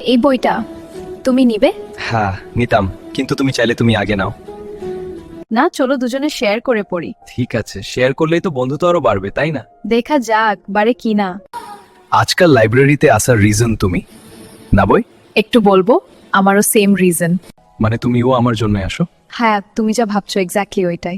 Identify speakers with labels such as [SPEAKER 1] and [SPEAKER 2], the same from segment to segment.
[SPEAKER 1] এই বইটা তুমি নিবে?
[SPEAKER 2] হ্যাঁ নিতাম, কিন্তু তুমি চাইলে তুমি আগে নাও।
[SPEAKER 1] না, চলো দুজনে শেয়ার করে পড়ি।
[SPEAKER 2] ঠিক আছে, শেয়ার করলেই তো বন্ধুত্ব আরো বাড়বে, তাই না?
[SPEAKER 1] দেখা যাক বারে কি না।
[SPEAKER 2] আজকাল লাইব্রেরিতে আসার রিজন তুমি না বই?
[SPEAKER 1] একটু বলবো, আমারও সেম রিজন।
[SPEAKER 2] মানে তুমিও আমার জন্য আসো?
[SPEAKER 1] হ্যাঁ, তুমি যা ভাবছো এক্স্যাক্টলি ওইটাই।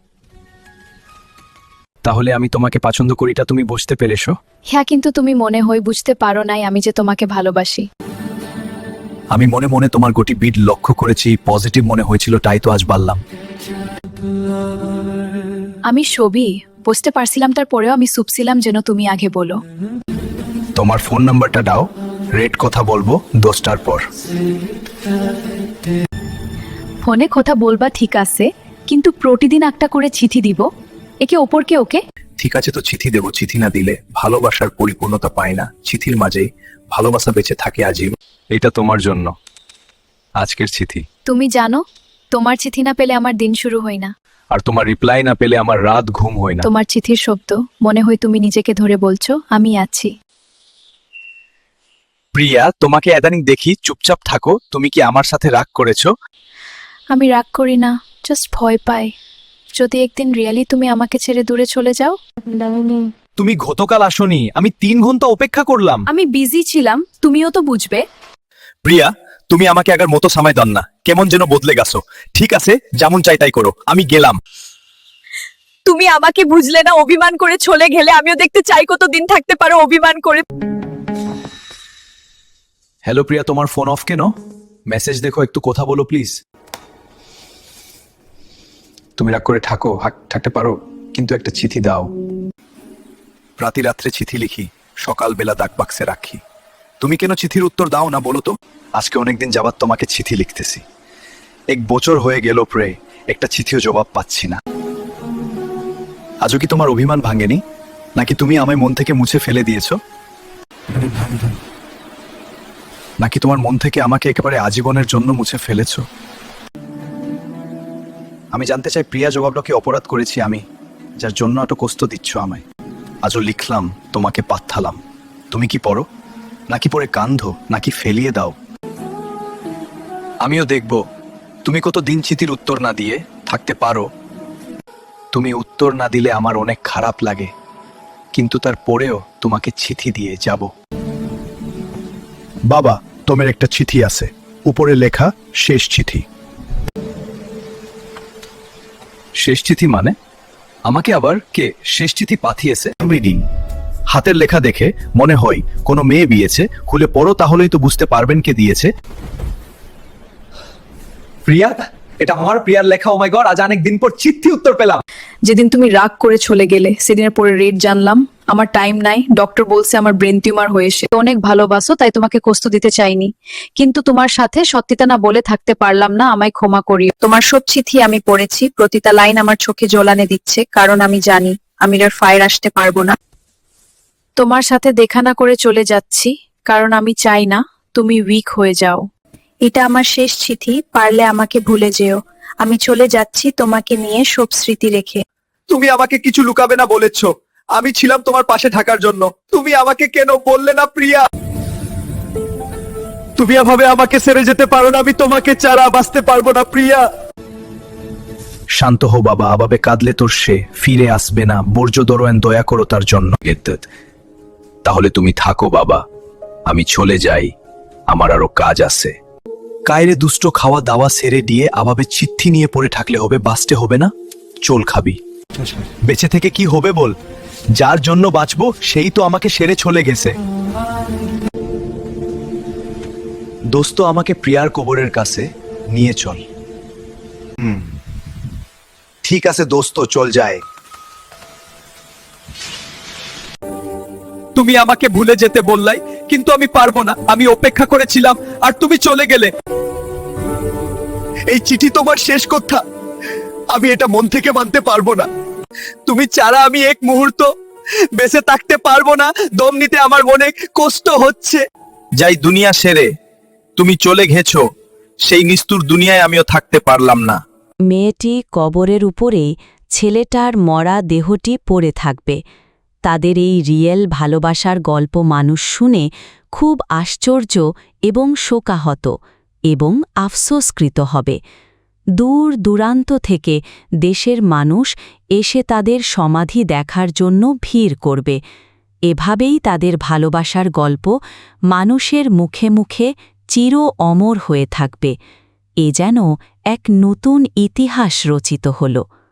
[SPEAKER 2] তাহলে আমি তোমাকে পছন্দ করিটা তুমি বুঝতে পেরেছো?
[SPEAKER 1] হ্যাঁ, কিন্তু তুমি মনে হয় বুঝতে পারো নাই আমি যে তোমাকে ভালোবাসি।
[SPEAKER 2] আমি মনে মনে তোমার গতি বিট লক্ষ্য করেছি, পজিটিভ মনে হয়েছিল, তাই তো আজ বললাম।
[SPEAKER 1] আমি ছবি বুঝতে পারছিলাম, তারপরেও আমি চুপছিলাম যেন তুমি আগে বলো।
[SPEAKER 2] তোমার ফোন নাম্বারটা দাও, রেট কথা বলবো 10টার পর।
[SPEAKER 1] ফোনে কথা বলবা ঠিক আছে, কিন্তু প্রতিদিন একটা করে চিঠি দিব একে ওপরকে। ওকে
[SPEAKER 2] ঠিক আছে, তো চিঠি দেবো। চিঠি না দিলে ভালোবাসার পরিপূর্ণতা পায় না, চিঠির মাঝেই ভালোবাসা বেঁচে থাকে আজীব। এটা তোমার জন্য আজকের চিঠি।
[SPEAKER 1] তুমি জানো, তোমার চিঠি না পেলে আমার দিন শুরু হয় না।
[SPEAKER 2] আর তোমার রিপ্লাই না পেলে আমার রাত ঘুম হয় না।
[SPEAKER 1] তোমার চিঠির শব্দ মনে হয় তুমি নিজেকে ধরে বলছো আমি আছি।
[SPEAKER 2] প্রিয়া, তোমাকে এদানিং দেখি চুপচাপ থাকো, তুমি কি আমার সাথে রাগ করেছো?
[SPEAKER 1] আমি রাগ করি না, জাস্ট ভয় পাই যদি একদিন রিয়েলি তুমি আমাকে ছেড়ে দূরে চলে যাও।
[SPEAKER 2] তুমি গতকাল আসোনি, আমি 3 ঘন্টা অপেক্ষা করলাম।
[SPEAKER 1] আমি বিজি ছিলাম, তুমিও তো বুঝবে।
[SPEAKER 2] প্রিয়া, তুমি আমাকে আগের মতো সময় দাও না, কেমন যেন বদলে গেছো। ঠিক আছে, যেমন চাই তাই করো, আমি গেলাম।
[SPEAKER 1] তুমি আমাকে বুঝলে না, অভিমান করে চলে গেলে আমিও দেখতে চাই কতদিন থাকতে পারো অভিমান করে।
[SPEAKER 2] হ্যালো প্রিয়া, তোমার ফোন অফ কেন? মেসেজ দেখো, একটু কথা বলো প্লিজ। তুমি রাগ করে থাকতে পারো, কিন্তু একটা চিঠি দাও। রাতে রাত্রে চিঠি লিখি, সকালবেলা ডাক বাক্সে রাখি। তুমি কেন চিঠির উত্তর দাও না বলো তো? আজকে অনেকদিন যাবাত তোমাকে চিঠি লিখতেছি, 1 বছর হয়ে গেল প্রায়, একটা চিঠিও জবাব পাচ্ছি না। আজও কি তোমার অভিমান ভাঙেনি, নাকি তুমি আমায় মন থেকে মুছে ফেলে দিয়েছো? নাকি তোমার মন থেকে আমাকে একেবারে আজীবনের জন্য মুছে ফেলেছো? আমি জানতে চাই প্রিয়া, জবাবটা কি অপরাধ করেছি আমি, যার জন্য এত কষ্ট দিচ্ছ আমায়? আজও লিখলাম, তোমাকে পাঠালাম, তুমি কি পড়ো, নাকি পড়ে কান্ধো, নাকি ফেলিয়ে দাও? আমিও দেখব তুমি কত দিন চিঠির উত্তর না দিয়ে থাকতে পারো। তুমি উত্তর না দিলে আমার অনেক খারাপ লাগে, কিন্তু তারপরেও তোমাকে চিঠি দিয়ে যাব। বাবা, তোমার একটা চিঠি আছে, উপরে লেখা শেষ চিঠি। শেষ চিঠি মানে? আমাকে আবার কে শেষ চিঠি পাঠিয়েছে? রিডিং, হাতের লেখা দেখে মনে হয় কোনো মেয়ে বিয়েছে, খুলে পড়ো তাহলেই তো বুঝতে পারবেন কে দিয়েছে। প্রিয়া, এটা আমার প্রিয়ার লেখা। ও মাই গড, আজ অনেক দিন পর চিঠি উত্তর পেলাম।
[SPEAKER 1] যেদিন তুমি রাগ করে চলে গেলে সেদিনের পরে রেট জানলাম। আমার টাইম নাই, ডক্টর বলছে আমার ব্রেন টিউমার হয়েছে। অনেক ভালোবাসো তাই তোমাকে কষ্ট দিতে চাইনি, কিন্তু তোমার সাথে সত্যিটা না বলে থাকতে পারলাম না, আমায় ক্ষমা করিও। তোমার সব চিঠি আমি পড়েছি, প্রতিটা লাইন আমার চোখে জ্বলানে দিচ্ছে, কারণ আমি জানি আমি আর ফায়ার আসতে পারবো না। তোমার সাথে দেখা না করে চলে যাচ্ছি, কারণ আমি চাই না তুমি উইক হয়ে যাও। এটা আমার শেষ চিঠি, পারলে আমাকে ভুলে যেও। আমি চলে যাচ্ছি তোমাকে নিয়ে সব স্মৃতি রেখে।
[SPEAKER 2] তুমি আমাকে কিছু লুকাবে না বলেছ, আমি ছিলাম তোমার পাশে থাকার জন্য। তুমি আমাকে কেন বললে না প্রিয়া? তুমি এভাবে আমাকে ছেড়ে যেতে পারো না, আমি তোমাকে ছাড়া বাঁচতে পারবো না প্রিয়া। শান্ত হো বাবা, আভাবে কাঁদলে তোর সে ফিরে আসবে না। বর্জ্য দরোয়ান, দয়া করো তার জন্য। তাহলে তুমি থাকো বাবা, আমি চলে যাই, আমার আরো কাজ আছে। কায়রে দুষ্ট, খাওয়া দাওয়া সেরে দিয়ে আভাবে চিঠি নিয়ে পড়ে থাকলে হবে? বাঁচতে হবে না? চোল খাবি, বেঁচে থেকে কি হবে বল? যার জন্য বাঁচবো সেই তো আমাকে সেরে চলে গেছে। দোস্ত, আমাকে প্রিয়ার কবরের কাছে নিয়ে চল। ঠিক আছে দোস্ত, চল যায়। তুমি আমাকে ভুলে যেতে বললাই, কিন্তু আমি পারবো না। আমি অপেক্ষা করেছিলাম আর তুমি চলে গেলে। এই চিঠি তোমার শেষ কথা, আমি এটা মন থেকে মানতে পারবো না। তুমি ছাড়া আমি এক মুহূর্ত বেঁচে থাকতে পারবো না। দম নিতে আমার মনে কষ্ট হচ্ছে। যাই দুনিয়া সেরে তুমি চলে গেছো, সেই নিষ্ঠুর দুনিয়ায় আমিও থাকতে পারলাম না।
[SPEAKER 3] মেয়েটি কবরের উপরেই ছেলেটার মরা দেহটি পড়ে থাকবে। তাদের এই রিয়েল ভালোবাসার গল্প মানুষ শুনে খুব আশ্চর্য এবং শোকাহত এবং আফসোসকৃত হবে। দূর দূরান্ত থেকে দেশের মানুষ এসে তাদের সমাধি দেখার জন্য ভিড় করবে। এভাবেই তাদের ভালোবাসার গল্প মানুষের মুখে মুখে চির অমর হয়ে থাকবে। এ যেন এক নতুন ইতিহাস রচিত হল।